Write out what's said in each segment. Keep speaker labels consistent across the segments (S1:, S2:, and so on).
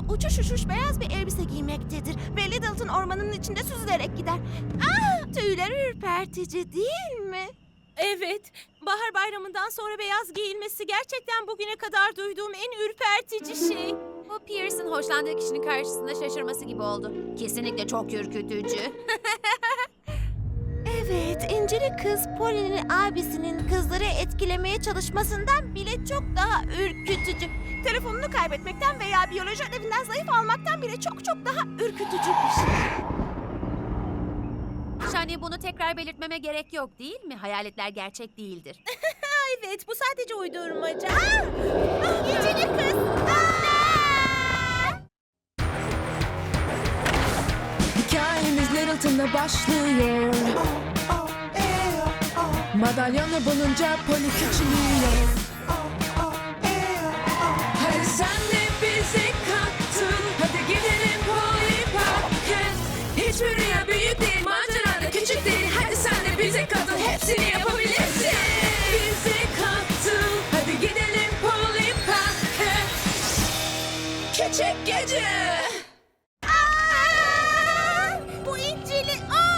S1: uçuş uçuş beyaz bir elbise giymektedir ve Littleton ormanının içinde süzülerek gider. Tüyleri ürpertici değil mi?
S2: Evet, bahar bayramından sonra beyaz giyilmesi gerçekten bugüne kadar duyduğum en ürpertici şey.
S3: Bu Pierce'ın hoşlandığı kişinin karşısında şaşırması gibi oldu. Kesinlikle çok ürkütücü.
S1: Evet, İncili kız Polly'nin abisinin kızları etkilemeye çalışmasından bile çok daha ürkütücü. Telefonunu kaybetmekten veya biyoloji ödevinden zayıf almaktan bile çok daha ürkütücü bir şey.
S3: Shani, bunu tekrar belirtmeme gerek yok değil mi? Hayaletler gerçek değildir.
S2: Evet, bu sadece uydurmaca.
S1: İncili kız!
S4: Hikayemiz Littleton'da başlıyor. Madalyonu bulunca Polly küçülüyor. Hadi sen de bizi kattın. Hadi gidelim Polly Park'a. Hiçbir rüya büyük değil, macera da küçük değil. Hadi sen de bize katıl, hepsini yapabilirsin. Bizi kattın. Hadi gidelim Polly Park'a. Küçük gece.
S1: Bu İncili...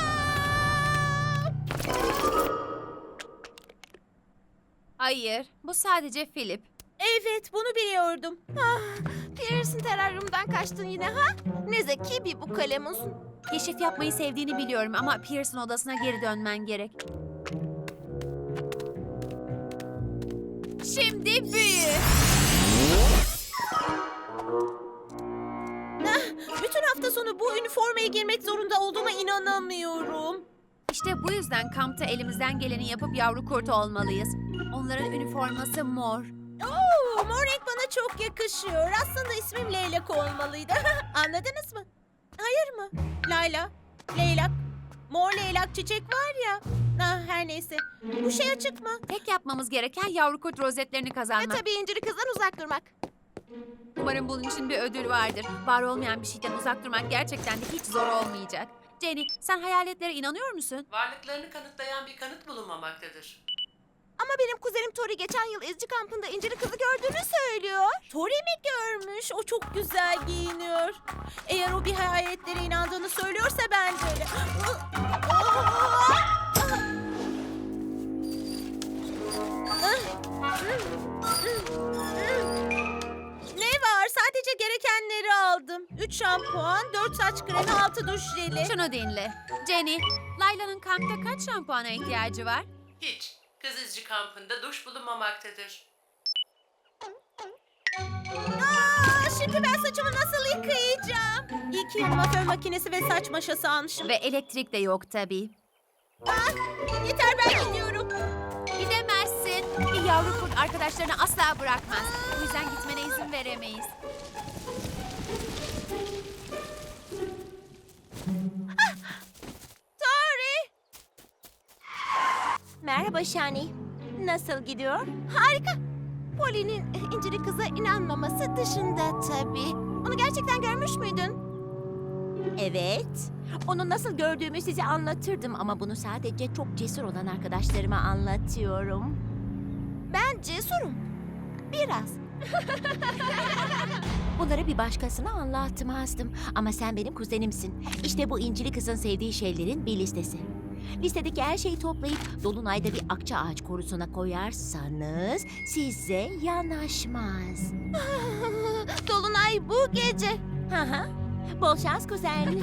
S3: Hayır, bu sadece Philip.
S2: Evet, bunu biliyordum.
S1: Pierce'in teraryumdan kaçtın yine ha? Ne zeki bir bu kalemunsun.
S3: Keşif yapmayı sevdiğini biliyorum ama Pierce'ın odasına geri dönmen gerek. Şimdi büyü.
S2: Bütün hafta sonu bu üniformaya girmek zorunda olduğuma inanamıyorum.
S3: İşte bu yüzden kampta elimizden geleni yapıp yavru kurt olmalıyız. Onların üniforması mor.
S2: Oo, mor renk bana çok yakışıyor. Aslında ismim Leylak olmalıydı. Anladınız mı? Hayır mı? Layla, leylak, mor leylak çiçek var ya. Her neyse. Bu şey açık mı?
S3: Tek yapmamız gereken yavru kurt rozetlerini
S1: Ve
S3: kazanmak.
S1: tabii İncili kızdan uzak durmak.
S3: Umarım bunun için bir ödül vardır. Var olmayan bir şeyden uzak durmak gerçekten de hiç zor olmayacak. Jenny, sen hayaletlere inanıyor musun?
S5: Varlıklarını kanıtlayan bir kanıt bulunmamaktadır.
S1: Ama benim kuzenim Tori geçen yıl izci kampında İncili kızı gördüğünü söylüyor.
S2: Tori mi görmüş? O çok güzel giyiniyor. Eğer o bir hayaletlere inandığını söylüyorsa ben de öyle. Ne var? Sadece gerekenleri aldım. 3 şampuan, 4 saç kremi, 6 duş jeli.
S3: Şunu dinle. Jenny, Layla'nın kampta kaç şampuana ihtiyacı var?
S5: Hiç. Kız izci kampında duş bulunmamaktadır.
S2: Şimdi ben saçımı nasıl yıkayacağım? İyi ki yanıma fön makinesi ve saç maşası almışım.
S3: Ve elektrik de yok tabii.
S2: Yeter, ben gidiyorum.
S3: Gidemezsin. Bir yavru kurt arkadaşlarını asla bırakmaz. Bu yüzden gitmene izin veremeyiz.
S1: Tori! Merhaba Shani. Nasıl gidiyor? Harika. Polly'nin İncili kıza inanmaması dışında tabii. Onu gerçekten görmüş müydün? Evet. Onu nasıl gördüğümü size anlatırdım ama bunu sadece çok cesur olan arkadaşlarıma anlatıyorum. Ben cesurum. Biraz. Bunları bir başkasına anlatmazdım. Ama sen benim kuzenimsin. İşte bu İncili kızın sevdiği şeylerin bir listesi. Listedeki her şeyi toplayıp dolunayda bir akça ağaç korusuna koyarsanız size yanaşmaz. Dolunay bu gece. Hı hı. Bol şans kuzen.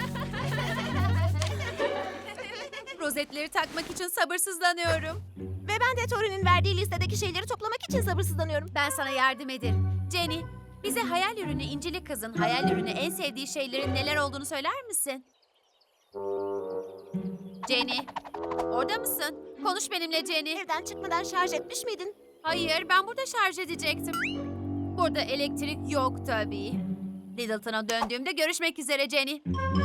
S3: Rozetleri takmak için sabırsızlanıyorum.
S1: Ve ben de Tori'nin verdiği listedeki şeyleri toplamak için sabırsızlanıyorum.
S3: Ben sana yardım ederim. Jenny, bize hayal ürünü İncili kızın hayal ürünü en sevdiği şeylerin neler olduğunu söyler misin? Jenny, orada mısın? Konuş benimle Jenny.
S1: Evden çıkmadan şarj etmiş miydin?
S3: Hayır, ben burada şarj edecektim. Burada elektrik yok tabii. Littleton'a döndüğümde görüşmek üzere Jenny.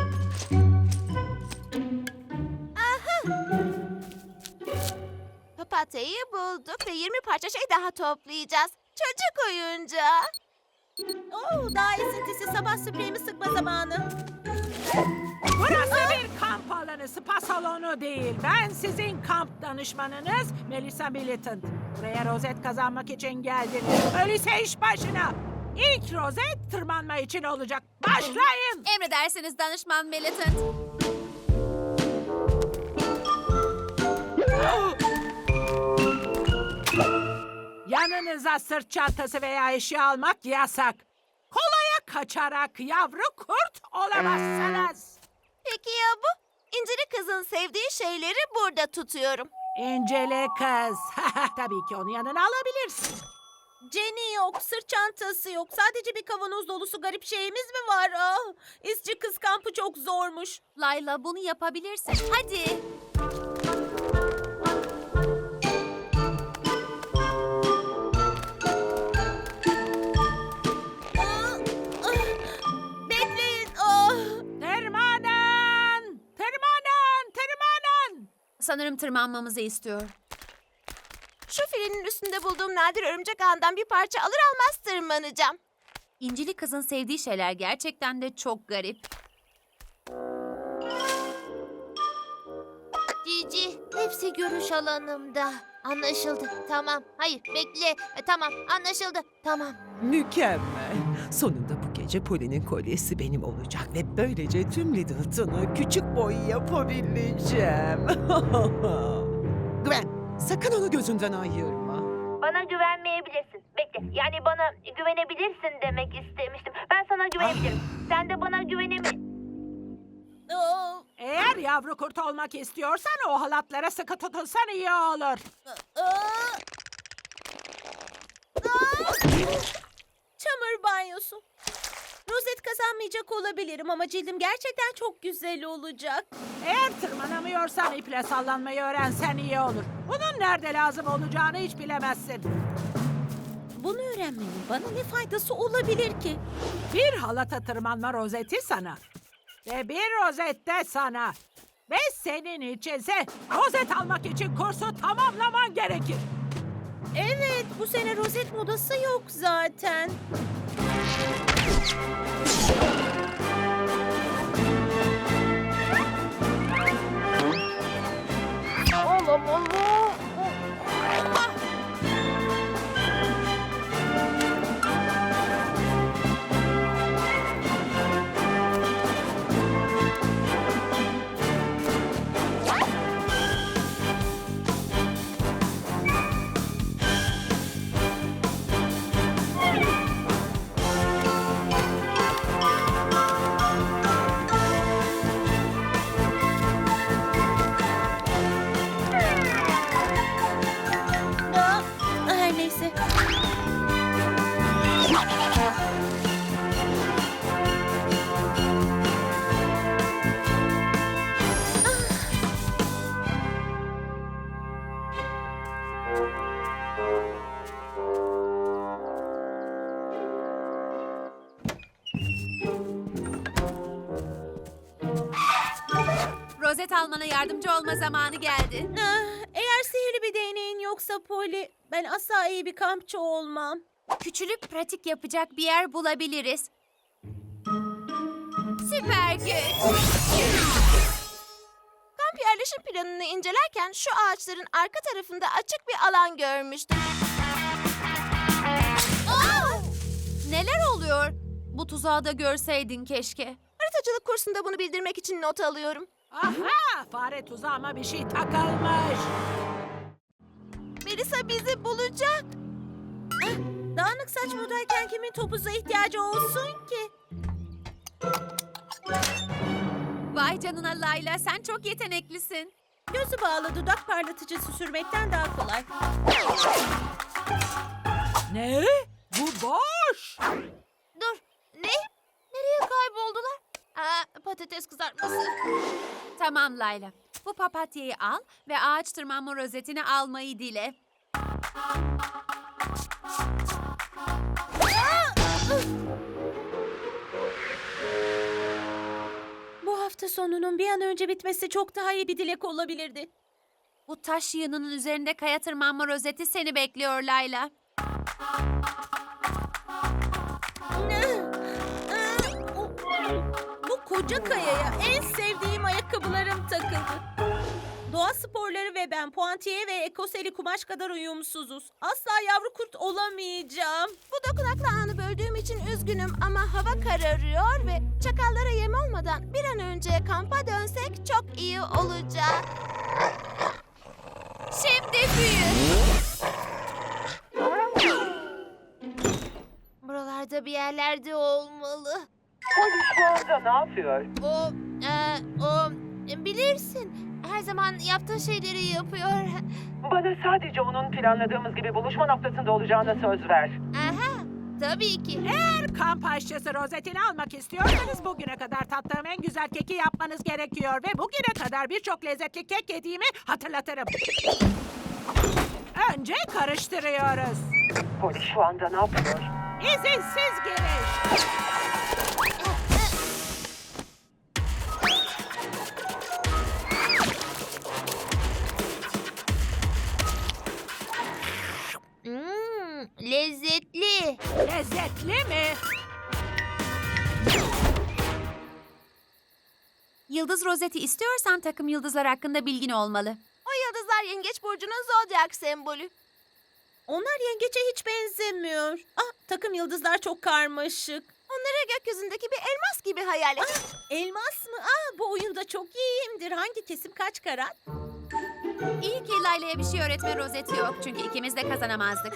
S1: Papatyayı bulduk ve 20 parça şey daha toplayacağız. Çocuk oyuncağı.
S2: Oo, daha esintisi, sabah spreyimi sıkma zamanı.
S6: Burası bir kamp alanı, spa salonu değil. Ben sizin kamp danışmanınız Melissa Militant. Buraya rozet kazanmak için geldiniz. Öyleyse iş başına. İlk rozet tırmanma için olacak. Başlayın.
S3: Emredersiniz danışman Militant.
S6: Yanınıza sırt çantası veya eşya almak yasak. Kolaya kaçarak yavru kurt olamazsınız.
S1: Peki ya bu? İncili kızın sevdiği şeyleri burada tutuyorum.
S6: İncele kız. Tabii ki onu yanına alabilirsin.
S2: Jenny yok, sırt çantası yok. Sadece bir kavanoz dolusu garip şeyimiz mi var? Ah, İzci kız kampı çok zormuş.
S3: Layla bunu yapabilirsin. Hadi.
S2: Ah, ah, bekleyin. Ah.
S6: Tırmanın! Tırmanın! Tırmanın!
S3: Sanırım tırmanmamızı istiyor.
S1: Şu filinin üstünde bulduğum nadir örümcek ağından bir parça alır almaz tırmanacağım.
S3: İncili kızın sevdiği şeyler gerçekten de çok garip.
S1: Cici, hepsi görüş alanımda. Anlaşıldı. Tamam. Hayır, bekle. Tamam, anlaşıldı. Tamam.
S7: Mükemmel. Sonunda bu gece Poli'nin kolyesi benim olacak ve böylece tüm Littleton'u küçük boy yapabileceğim. Gwen, sakın onu gözünden ayırma.
S8: Bana güvenmeyebilirsin. Bekle. Yani bana güvenebilirsin demek istemiştim. Ben sana güvenebilirim. Sen de bana
S2: Ah,
S6: Eğer yavru kurt olmak istiyorsan o halatlara sıkı tutunsan iyi olur.
S2: ah. Ah. Çamur banyosu. Rozet kazanmayacak olabilirim ama cildim gerçekten çok güzel olacak.
S6: Eğer tırmanamıyorsan iple sallanmayı öğrensen iyi olur. Bunun nerede lazım olacağını hiç bilemezsin.
S2: Bunu öğrenmenin bana ne faydası olabilir ki?
S6: Bir halata tırmanma rozeti sana. Ve bir rozet de sana. Ve senin içinse rozet almak için kursu tamamlaman gerekir.
S2: Evet, bu sene rozet modası yok zaten. Ah, her neyse.
S3: Rozet almana yardımcı olma zamanı geldi.
S2: Ah, eğer sihirli bir değneğin yoksa Polly, ben asla iyi bir kampçı olmam.
S3: Küçülüp pratik yapacak bir yer bulabiliriz. Süper güç.
S1: Kamp yerleşim planını incelerken şu ağaçların arka tarafında açık bir alan görmüştüm.
S3: Neler oluyor? Bu tuzağı da görseydin keşke.
S1: Haritacılık kursunda bunu bildirmek için not alıyorum.
S6: Aha! Fare tuzağıma bir şey takılmış.
S1: Melisa bizi bulacak.
S2: Dağınık saç buradayken kimin topuza ihtiyacı olsun ki?
S3: Vay canına Layla, sen çok yeteneklisin.
S2: Gözü bağlı dudak parlatıcısı sürmekten daha kolay.
S6: Ne? Bu boş.
S1: Dur, ne? Nereye kayboldular? Patates kızartması.
S3: Tamam Layla. Bu papatyayı al ve ağaç tırmanma rozetini almayı dile.
S2: Bu hafta sonunun bir an önce bitmesi çok daha iyi bir dilek olabilirdi.
S3: Bu taş yığınının üzerinde kaya tırmanma rozeti seni bekliyor Layla.
S2: Bu koca kayaya en sevdiğim ayakkabılarım takıldı. Doğa sporları ve ben puantiye ve ekoseli kumaş kadar uyumsuzuz. Asla yavru kurt olamayacağım.
S1: Bu dokunaklı anı böldüğüm için Üzgünüm ama hava kararıyor ve çakallara yem olmadan bir an önce kampa dönsek çok iyi olacak.
S3: Şimdi büyü.
S1: Buralarda bir yerlerde olmalı.
S7: Poli şu anda ne yapıyor?
S1: O bilirsin. Her zaman yaptığı şeyleri yapıyor.
S7: Bana sadece onun planladığımız gibi buluşma noktasında olacağına söz ver.
S1: Aha, tabii ki.
S6: Eğer kamp aşçısı rozetini almak istiyorsanız bugüne kadar tattığım en güzel keki yapmanız gerekiyor. Ve bugüne kadar birçok lezzetli kek yediğimi hatırlatırım. Önce karıştırıyoruz.
S7: Poli şu anda ne yapıyor?
S6: İzinsiz giriş.
S1: Lezzetli.
S6: Lezzetli mi?
S3: Yıldız rozeti istiyorsan takım yıldızlar hakkında bilgin olmalı.
S1: O yıldızlar yengeç burcunun zodyak sembolü.
S2: Onlar yengeçe hiç benzemiyor. Takım yıldızlar çok karmaşık.
S1: Onları gökyüzündeki bir elmas gibi hayal et.
S2: Elmas mı? Bu oyunda çok iyiyimdir. Hangi kesim kaç karat?
S3: İyi ki Layla'ya bir şey öğretme rozeti yok. Çünkü ikimiz de kazanamazdık.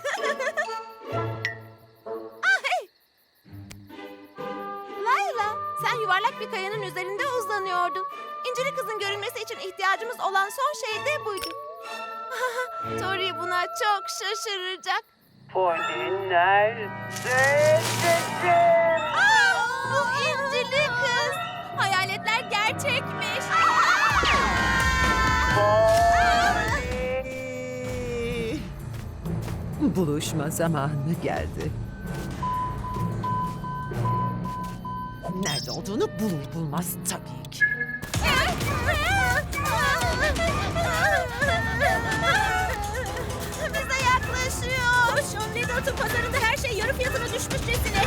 S1: Layla, sen yuvarlak bir kayanın üzerinde uzanıyordun. İncili kızın görünmesi için ihtiyacımız olan son şey de buydu. Tori buna çok şaşıracak.
S7: Poli nerede?
S1: Bu İncili kız.
S3: Hayaletler gerçekmiş.
S7: Buluşma zamanı geldi. Nerede olduğunu bulur bulmaz tabii ki.
S1: Bize yaklaşıyor.
S2: Koş, Onledot'un pazarında her şey yarı fiyatına düşmüşçesine.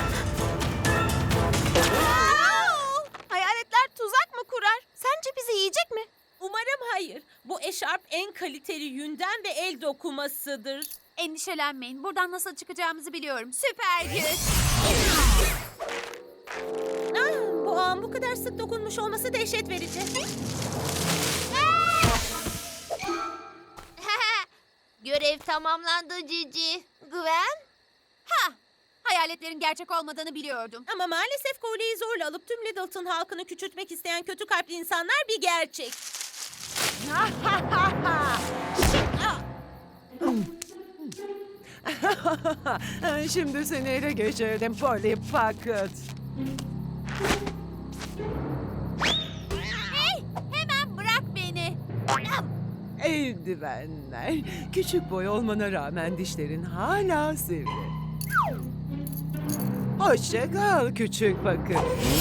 S1: Hayaletler tuzak mı kurar? Sence bizi yiyecek mi?
S2: Umarım hayır. Bu eşarp en kaliteli yünden ve el dokumasıdır.
S3: Endişelenmeyin. Buradan nasıl çıkacağımızı biliyorum. Süper güç.
S2: Bu ağın bu kadar sık dokunmuş olması dehşet verici.
S1: Görev tamamlandı Cici. Gwen?
S3: Hayaletlerin gerçek olmadığını biliyordum.
S2: Ama maalesef kolyeyi zorla alıp tüm Littleton halkını küçültmek isteyen kötü kalpli insanlar bir gerçek.
S7: Şimdi seni ele geçirdim Polly Pocket.
S3: Hemen bırak beni.
S7: Eldivenler. Küçük boy olmana rağmen dişlerin hala sivri. Hoşça kal küçük bakın.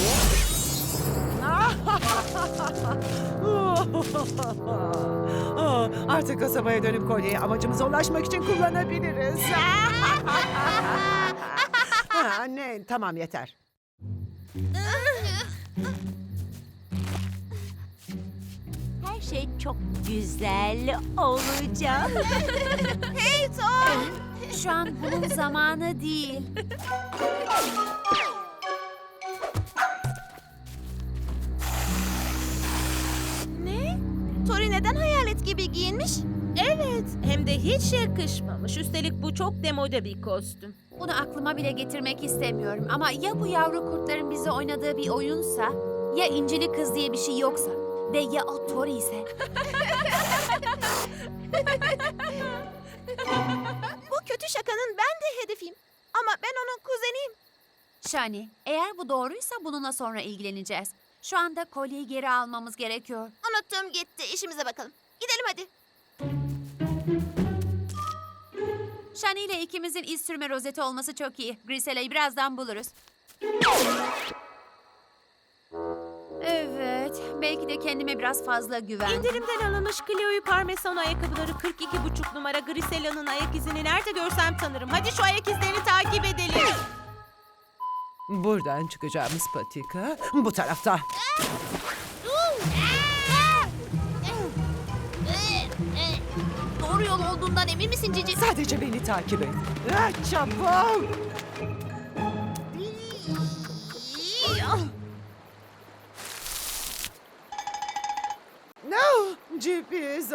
S7: Artık kasabaya dönüp kolyeyi amacımıza ulaşmak için kullanabiliriz. Anne, tamam yeter.
S1: Her şey çok güzel olacak. Hey Tom!
S3: Şu an bunun zamanı değil.
S1: Ne? Tori neden hayalet gibi giyinmiş?
S2: Evet, hem de hiç yakışmamış. Üstelik bu çok demode bir kostüm.
S3: Bunu aklıma bile getirmek istemiyorum. Ama ya bu yavru kurtların bize oynadığı bir oyunsa, ya İncili Kız diye bir şey yoksa ve ya o Tori ise.
S1: Bu kötü şakanın ben de hedefiyim. Ama ben onun kuzeniyim.
S3: Shani, eğer bu doğruysa bununla sonra ilgileneceğiz. Şu anda kolyeyi geri almamız gerekiyor.
S1: Unuttum gitti. İşimize bakalım. Gidelim hadi.
S3: Shani ile ikimizin iz sürme rozeti olması çok iyi. Grisela'yı birazdan buluruz. Evet, belki de kendime biraz fazla güven.
S2: İndirimden alınmış Cleo'yu parmesan ayakkabıları 42,5 numara Grisela'nın ayak izini nerede görsem tanırım. Hadi şu ayak izlerini takip edelim.
S7: Buradan çıkacağımız patika bu tarafta.
S1: Doğru yol olduğundan emin misin Cici?
S7: Sadece beni takip et. Çabuk.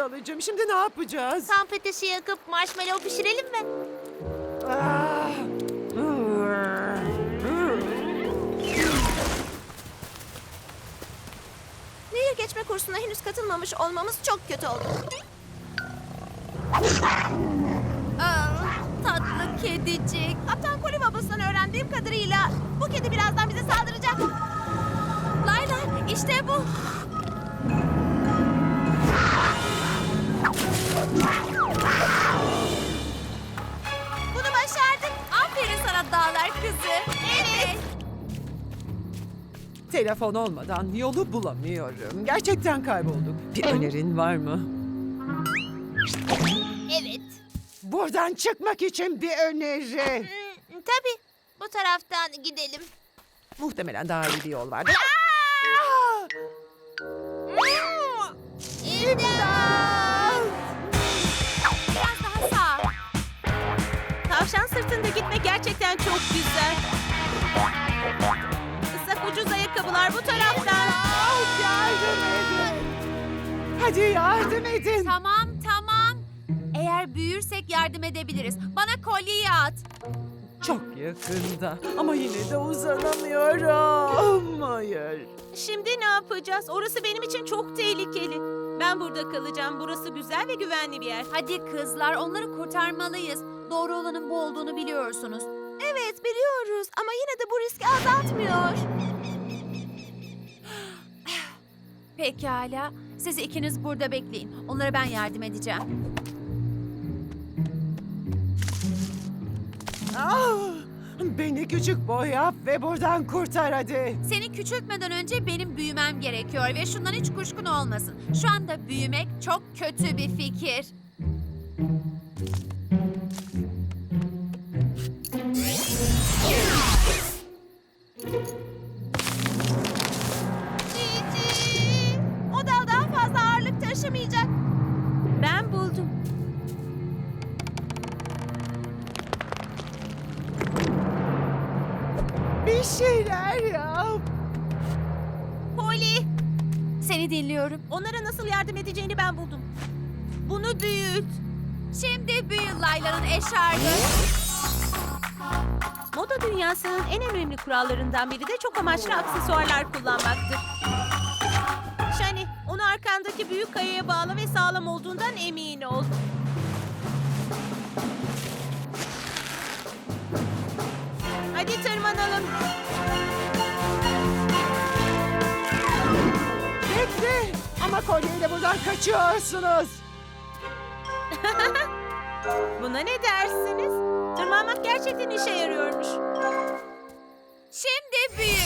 S7: Zavallıcığım, şimdi ne yapacağız?
S8: Kamp ateşi yakıp marshmallow pişirelim mi?
S7: Ah!
S1: Nehir geçme kursuna henüz katılmamış olmamız çok kötü oldu.
S3: Tatlı kedicik.
S1: Kaptan Koli babasından öğrendiğim kadarıyla bu kedi birazdan bize saldıracak.
S3: Layla, işte bu.
S1: Bunu başardık.
S3: Aferin sana dağlar kızı. Evet.
S7: Telefon olmadan yolu bulamıyorum. Gerçekten kaybolduk. Bir önerin var mı?
S8: Evet.
S7: Buradan çıkmak için bir öneri.
S8: Tabii. Bu taraftan gidelim.
S7: Muhtemelen daha iyi bir yol vardır.
S3: Biraz daha sağ.
S2: Tavşan sırtında gitmek gerçekten çok güzel. Islak ucuz ayakkabılar bu taraftan.
S7: Yardım edin. Hadi yardım edin.
S3: Tamam. Eğer büyürsek yardım edebiliriz. Bana kolyeyi at.
S7: Çok yakında ama yine de uzanamıyorum. Hayır.
S2: Şimdi ne yapacağız? Orası benim için çok tehlikeli. Ben burada kalacağım. Burası güzel ve güvenli bir yer.
S3: Hadi kızlar, onları kurtarmalıyız. Doğru olanın bu olduğunu biliyorsunuz.
S1: Evet biliyoruz ama yine de bu riski azaltmıyor.
S3: Pekala. Siz ikiniz burada bekleyin. Onlara ben yardım edeceğim.
S7: Ah, beni küçük boy yap ve buradan kurtar hadi.
S3: Seni küçültmeden önce benim büyümem gerekiyor ve şundan hiç kuşkun olmasın. Şu anda büyümek çok kötü bir fikir.
S1: Cici. O dal daha fazla ağırlık taşımayacak.
S2: Ben buldum.
S7: Bir şeyler yap.
S2: Poli,
S3: Seni dinliyorum.
S2: onlara nasıl yardım edeceğini ben buldum. Bunu büyüt.
S3: Şimdi büyü Layla'nın eşarbı.
S2: Moda dünyasının en önemli kurallarından biri de çok amaçlı aksesuarlar kullanmaktır. Shani, onu arkandaki büyük kayaya bağla ve sağlam olduğundan emin ol. Hadi tırmanalım.
S7: Bekle. Ama kolyeyle buradan kaçıyorsunuz.
S2: Buna ne dersiniz? Tırmanmak gerçekten işe yarıyormuş.
S3: Şimdi büyü.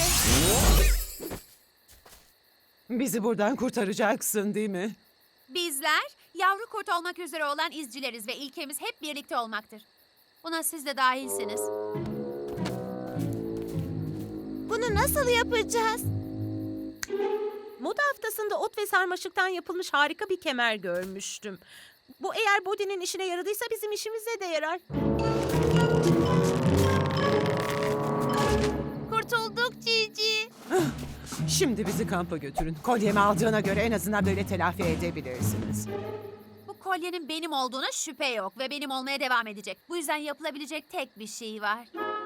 S7: Bizi buradan kurtaracaksın değil mi?
S3: Bizler yavru kurt olmak üzere olan izcileriz ve ilkemiz hep birlikte olmaktır. Buna siz de dahilsiniz.
S1: Bunu nasıl yapacağız?
S2: Moda haftasında ot ve sarmaşıktan yapılmış harika bir kemer görmüştüm. Bu eğer Bodhi'nin işine yaradıysa bizim işimize de yarar.
S8: Kurtulduk Cici.
S7: Şimdi bizi kampa götürün. Kolyemi aldığına göre en azından böyle telafi edebilirsiniz.
S3: Bu kolyenin benim olduğuna şüphe yok ve benim olmaya devam edecek. Bu yüzden yapılabilecek tek bir şey var.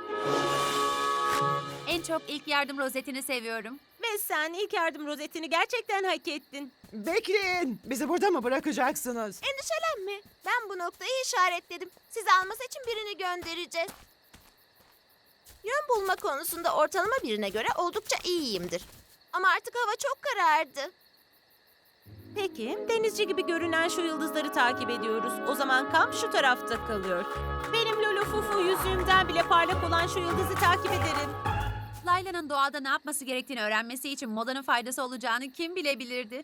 S3: En çok ilk yardım rozetini seviyorum.
S2: Ve sen ilk yardım rozetini gerçekten hak ettin.
S7: Bekleyin. Bizi burada mı bırakacaksınız?
S1: Endişelenme. Ben bu noktayı işaretledim. Sizi alması için birini göndereceğiz. Yön bulma konusunda ortalama birine göre oldukça iyiyimdir. Ama artık hava çok karardı.
S2: Peki, denizci gibi görünen şu yıldızları takip ediyoruz. O zaman kamp şu tarafta kalıyor. Benim Lolo Fufu yüzüğümden bile parlak olan şu yıldızı takip ederim.
S3: Layla'nın doğada ne yapması gerektiğini öğrenmesi için modanın faydası olacağını kim bilebilirdi?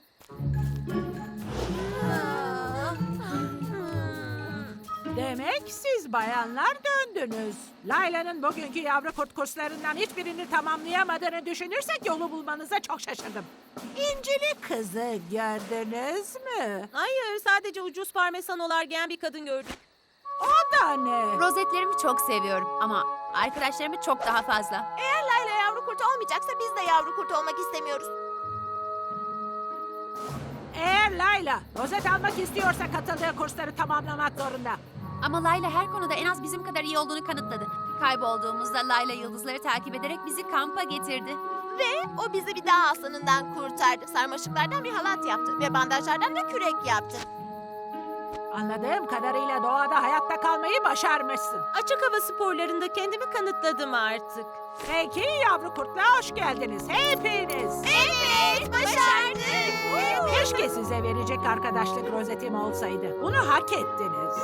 S6: Demek siz bayanlar döndünüz. Layla'nın bugünkü yavru kurt kurslarından hiçbirini tamamlayamadığını düşünürsek yolu bulmanıza çok şaşırdım. İncili kızı gördünüz mü?
S2: Hayır, sadece ucuz parmesanolar giyen bir kadın gördüm.
S6: O da ne?
S3: Rozetlerimi çok seviyorum ama arkadaşlarımı çok daha fazla.
S1: Eğer Layla yavru kurt olmayacaksa biz de yavru kurt olmak istemiyoruz.
S6: Eğer Layla rozet almak istiyorsa katıldığı kursları tamamlamak zorunda.
S3: Ama Layla her konuda en az bizim kadar iyi olduğunu kanıtladı. Kaybolduğumuzda Layla yıldızları takip ederek bizi kampa getirdi.
S1: Ve o bizi bir dağ aslanından kurtardı. Sarmaşıklardan bir halat yaptı ve bandajlardan da kürek yaptı.
S6: Anladığım kadarıyla doğada hayatta kalmayı başarmışsın.
S2: Açık hava sporlarında kendimi kanıtladım artık.
S6: Peki yavru kurtlar hoş geldiniz hepiniz.
S1: Evet, başardık.
S6: Keşke size verecek arkadaşlık rozetim olsaydı. Bunu hak ettiniz.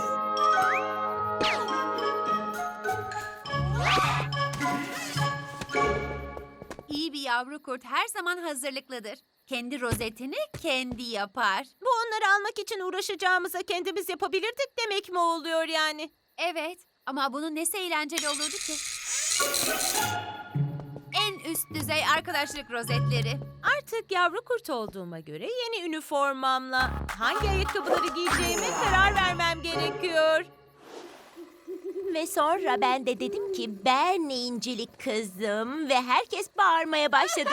S3: İyi bir yavru kurt her zaman hazırlıklıdır. Kendi rozetini kendi yapar.
S2: Bu onları almak için uğraşacağımıza kendimiz yapabilirdik demek mi oluyor yani?
S3: Evet ama bunun nesi eğlenceli olurdu ki? En üst düzey arkadaşlık rozetleri.
S2: Artık yavru kurt olduğuma göre yeni üniformamla hangi ayakkabıları giyeceğime karar vermem gerekiyor.
S1: Ve sonra ben de dedim ki ben incilik kızım ve herkes bağırmaya başladı.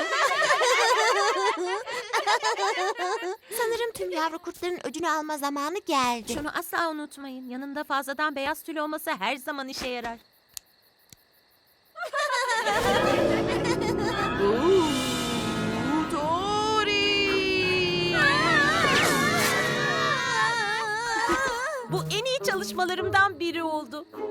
S1: Sanırım tüm yavru kurtların ödünü alma zamanı geldi.
S2: Şunu asla unutmayın. Yanında fazladan beyaz tül olması her zaman işe yarar. Bu en iyi çalışmalarımdan biri oldu.